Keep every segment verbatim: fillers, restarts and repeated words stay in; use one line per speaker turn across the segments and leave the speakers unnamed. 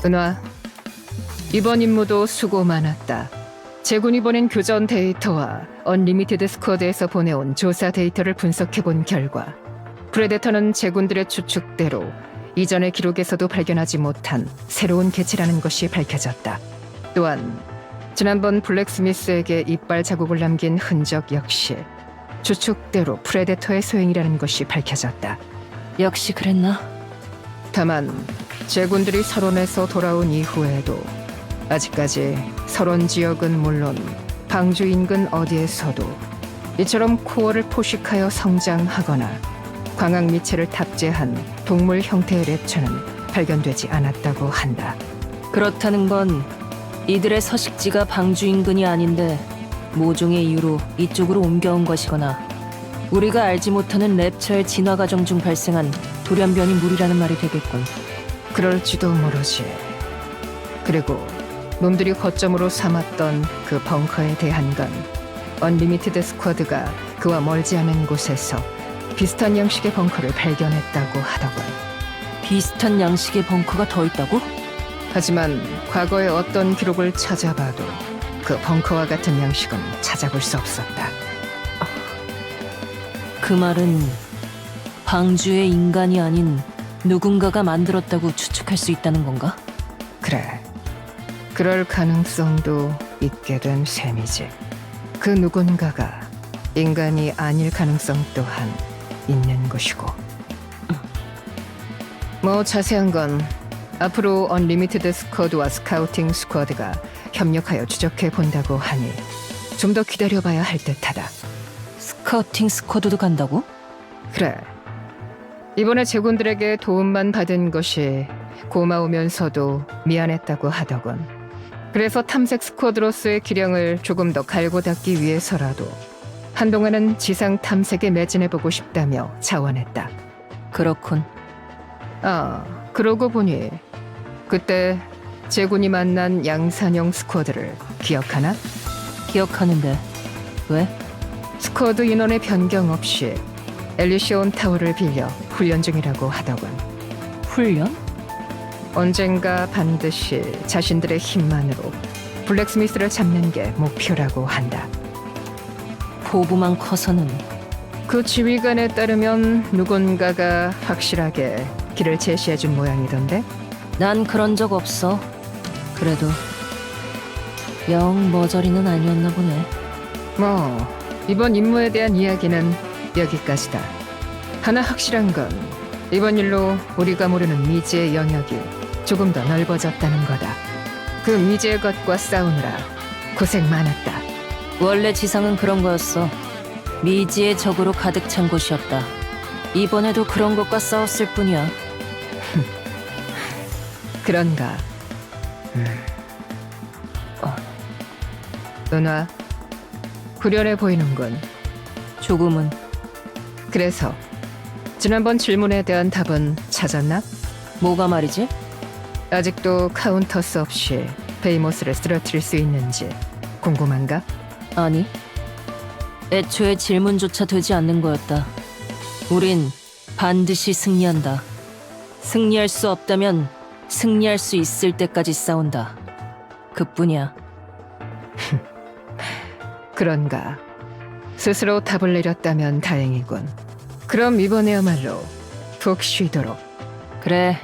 은화, 이번 임무도 수고 많았다. 제군이 보낸 교전 데이터와 언리미티드 스쿼드에서 보내온 조사 데이터를 분석해본 결과 프레데터는 제군들의 추측대로 이전의 기록에서도 발견하지 못한 새로운 개체라는 것이 밝혀졌다. 또한 지난번 블랙스미스에게 이빨 자국을 남긴 흔적 역시 추측대로 프레데터의 소행이라는 것이 밝혀졌다.
역시 그랬나?
다만 제군들이 설원에서 돌아온 이후에도 아직까지 설원 지역은 물론 방주 인근 어디에서도 이처럼 코어를 포식하여 성장하거나 광학 미체를 탑재한 동물 형태의 랩처는 발견되지 않았다고 한다.
그렇다는 건 이들의 서식지가 방주 인근이 아닌데 모종의 이유로 이쪽으로 옮겨온 것이거나 우리가 알지 못하는 랩처의 진화 과정 중 발생한 돌연변이 물이라는 말이 되겠군.
그럴지도 모르지. 그리고 놈들이 거점으로 삼았던 그 벙커에 대한 건 언리미티드 스쿼드가 그와 멀지 않은 곳에서 비슷한 양식의 벙커를 발견했다고 하더군.
비슷한 양식의 벙커가 더 있다고?
하지만 과거의 어떤 기록을 찾아봐도 그 벙커와 같은 양식은 찾아볼 수 없었다.
그 말은 방주의 인간이 아닌 누군가가 만들었다고 추측할 수 있다는 건가?
그래. 그럴 가능성도 있게 된 셈이지. 그 누군가가 인간이 아닐 가능성 또한 있는 것이고. 뭐 자세한 건 앞으로 언리미티드 스쿼드와 스카우팅 스쿼드가 협력하여 추적해 본다고 하니 좀 더 기다려봐야 할 듯하다.
스카우팅 스쿼드도 간다고?
그래. 이번에 제군들에게 도움만 받은 것이 고마우면서도 미안했다고 하더군. 그래서 탐색 스쿼드로서의 기량을 조금 더 갈고 닦기 위해서라도 한동안은 지상 탐색에 매진해보고 싶다며 자원했다.
그렇군.
아, 그러고 보니 그때 제군이 만난 양산형 스쿼드를 기억하나?
기억하는데 왜?
스쿼드 인원의 변경 없이 엘리시온 타워를 빌려 훈련 중이라고 하더군.
훈련?
언젠가 반드시 자신들의 힘만으로 블랙스미스를 잡는 게 목표라고 한다.
포부만 커서는.
그 지휘관에 따르면 누군가가 확실하게 길을 제시해준 모양이던데?
난 그런 적 없어. 그래도 영 머저리는 아니었나 보네.
뭐 이번 임무에 대한 이야기는 여기까지다. 하나 확실한 건 이번 일로 우리가 모르는 미지의 영역이 조금 더 넓어졌다는 거다. 그 미지의 것과 싸우느라 고생 많았다.
원래 지상은 그런 거였어. 미지의 적으로 가득 찬 곳이었다. 이번에도 그런 것과 싸웠을 뿐이야.
그런가? 음. 어. 은화, 후련해 보이는군.
조금은.
그래서 지난번 질문에 대한 답은 찾았나?
뭐가 말이지?
아직도 카운터스 없이 베이모스를 쓰러뜨릴 수 있는지 궁금한가?
아니. 애초에 질문조차 되지 않는 거였다. 우린 반드시 승리한다. 승리할 수 없다면 승리할 수 있을 때까지 싸운다. 그뿐이야.
그런가? 스스로 답을 내렸다면 다행이군. 그럼 이번에야말로 푹 쉬도록.
그래.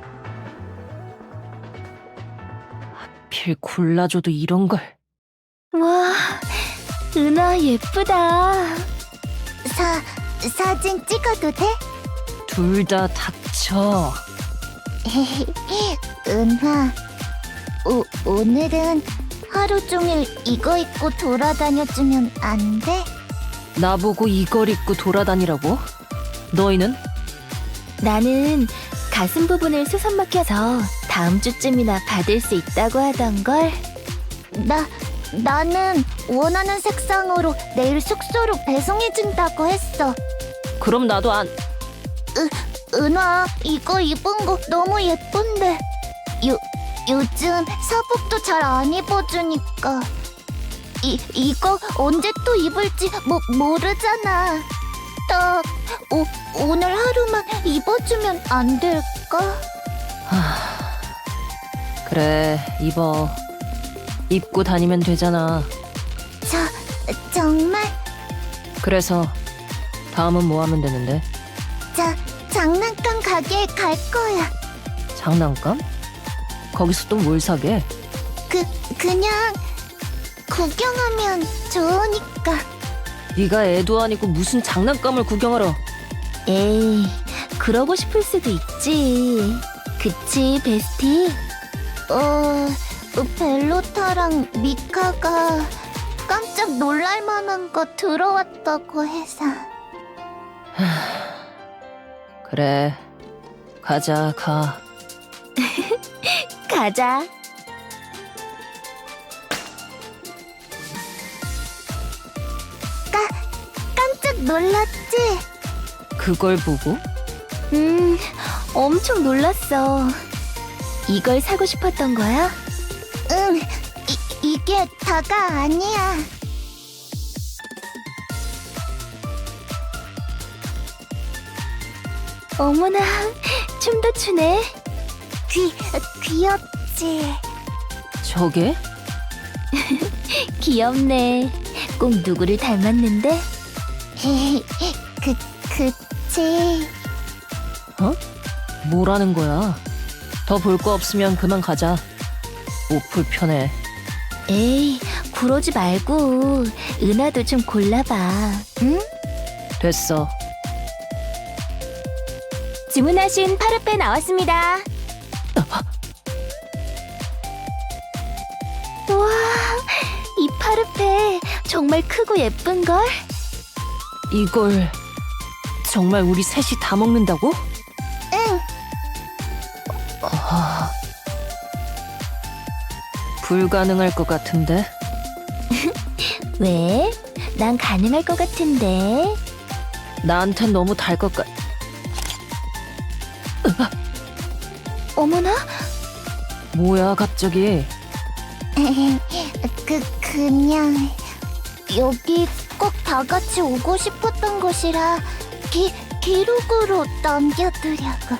하필 골라줘도 이런 걸.
와, 은하 예쁘다. 사, 사진 찍어도 돼?
둘 다 닥쳐.
은하, 오, 오늘은 하루 종일 이거 입고 돌아다녀주면 안 돼?
나보고 이걸 입고 돌아다니라고? 너희는?
나는 가슴 부분을 수선 막혀서 다음 주쯤이나 받을 수 있다고 하던걸. 나, 나는 원하는 색상으로 내일 숙소로 배송해준다고 했어.
그럼 나도 안...
은하, 이거 입은 거 너무 예쁜데. 요, 요즘 사복도 잘 안 입어주니까. 이, 이거 언제 또 입을지 뭐, 모르잖아. 딱 오, 오늘 하루만 입어주면 안 될까?
그래, 입어. 입고 다니면 되잖아.
저, 정말?
그래서 다음은 뭐 하면 되는데?
자, 장난감 가게에 갈 거야.
장난감? 거기서 또 뭘 사게?
그, 그냥 구경하면 좋으니까.
네가 애도 아니고 무슨 장난감을 구경하러.
에이, 그러고 싶을 수도 있지. 그치, 베스티? 어, 벨로타랑 미카가 깜짝 놀랄 만한 거 들어왔다고 해서.
그래, 가자, 가.
가자. 까, 깜짝 놀랐지?
그걸 보고?
음, 엄청 놀랐어. 이걸 사고 싶었던 거야? 응, 이, 이게 다가 아니야. 어머나, 춤도 추네. 귀, 귀엽지?
저게?
귀엽네. 꼭 누구를 닮았는데? 그, 그치.
어? 뭐라는 거야? 더 볼 거 없으면 그만 가자. 옷 불편해.
에이, 그러지 말고 은하도 좀 골라봐. 응?
됐어.
주문하신 파르페 나왔습니다. 와, 이 파르페 정말 크고 예쁜걸?
이걸 정말 우리 셋이 다 먹는다고?
응.
아... 불가능할 것 같은데?
왜? 난 가능할 것 같은데.
나한텐 너무 달 것 같...
어머나?
뭐야 갑자기?
그, 그냥 여기 꼭 다 같이 오고 싶었던 곳이라 기, 기록으로 남겨두려고.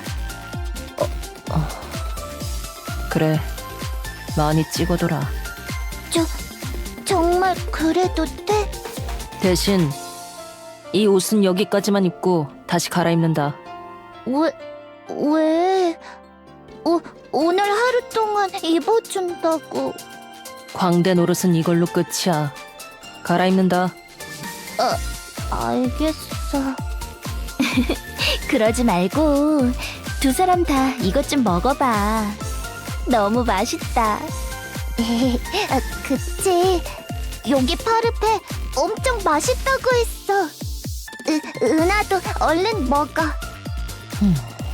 그래, 많이 찍어둬라.
저, 정말 그래도 돼?
대신 이 옷은 여기까지만 입고 다시 갈아입는다.
왜, 왜? 오, 오늘 하루 동안 입어준다고.
광대 노릇은 이걸로 끝이야. 갈아입는다.
알겠어. 그러지 말고 두 사람 다 이것 좀 먹어봐. 너무 맛있다. 아, 그치. 여기 파르페 엄청 맛있다고 했어. 으, 은하도 얼른 먹어.
음.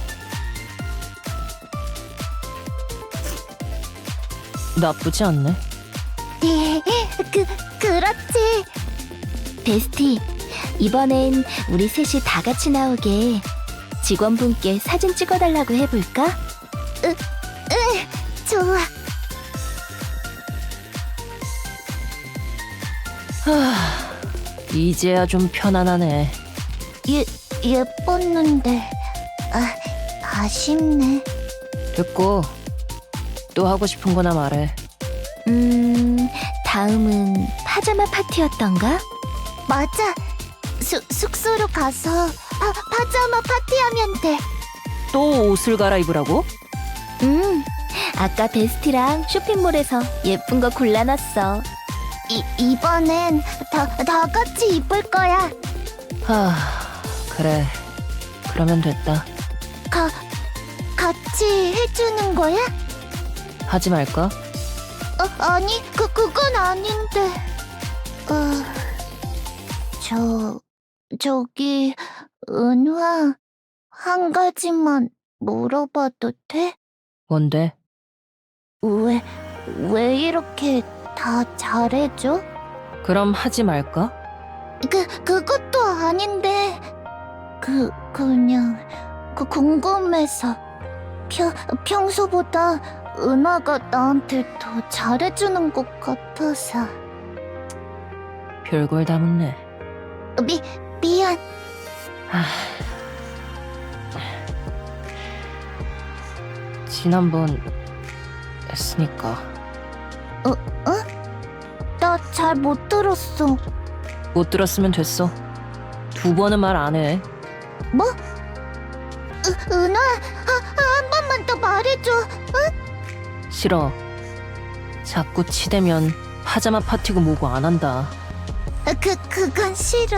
나쁘지 않네.
그, 그렇지. 베스티, 이번엔 우리 셋이 다 같이 나오게 직원분께 사진 찍어달라고 해볼까? 으, 으, 좋아.
하, 이제야 좀 편안하네.
예, 예뻤는데. 아, 아쉽네.
됐고, 또 하고 싶은 거나 말해.
음, 다음은 파자마 파티였던가? 맞아. 수, 숙소로 가서 파, 파자마 파티하면 돼.
또 옷을 갈아입으라고?
음, 아까 베스티랑 쇼핑몰에서 예쁜 거 골라놨어. 이, 이번엔 다, 다 같이 입을 거야.
하, 그래. 그러면 됐다.
가, 같이 해주는 거야?
하지 말까?
어, 아니, 그, 그건 아닌데. 어, 저, 저기, 은화, 한 가지만 물어봐도 돼?
뭔데?
왜, 왜 이렇게 다 잘해줘?
그럼 하지 말까?
그, 그것도 아닌데. 그, 그냥, 그 궁금해서. 평, 평소보다 은하가 나한테 더 잘해주는 것 같아서.
별걸 다 묻네.
미, 미안.
하... 지난번 했으니까.
나 잘 못 들었어.
못 들었으면 됐어. 두 번은 말 안 해.
뭐? 으, 은하, 아, 한 번만 더 말해줘.
싫어. 자꾸 치대면 파자마 파티고 뭐고 안 한다.
그, 그건 싫어.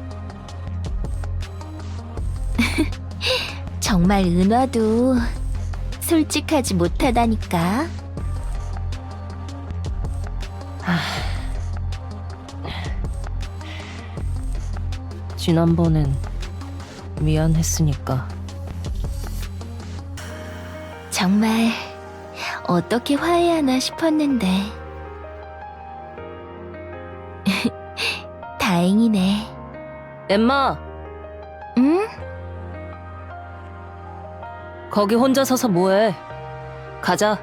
정말 은화도 솔직하지 못하다니까.
지난번엔 미안했으니까.
정말 어떻게 화해하나 싶었는데 다행이네.
엠마,
응?
거기 혼자 서서 뭐해? 가자.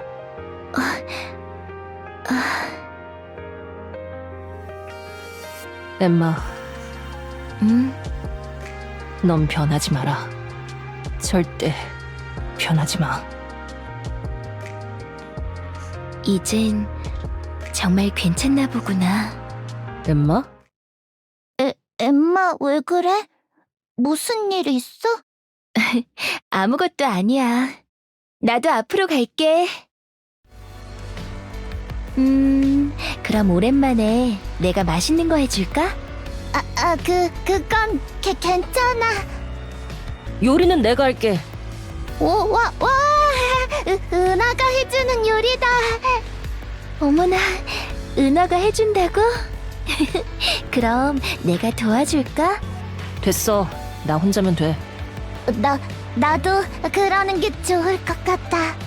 엠마,
응?
넌 변하지 마라. 절대 변하지 마.
이젠 정말 괜찮나 보구나.
엠마?
에, 엠마 왜 그래? 무슨 일 있어? 아무것도 아니야. 나도 앞으로 갈게. 음, 그럼 오랜만에 내가 맛있는 거 해줄까? 아, 아, 그, 그건 게, 괜찮아.
요리는 내가 할게.
오, 와, 와, 은- 은하가 해주는 요리다. 어머나, 은하가 해준다고? 그럼 내가 도와줄까?
됐어. 나 혼자면 돼.
나, 나도 그러는 게 좋을 것 같아.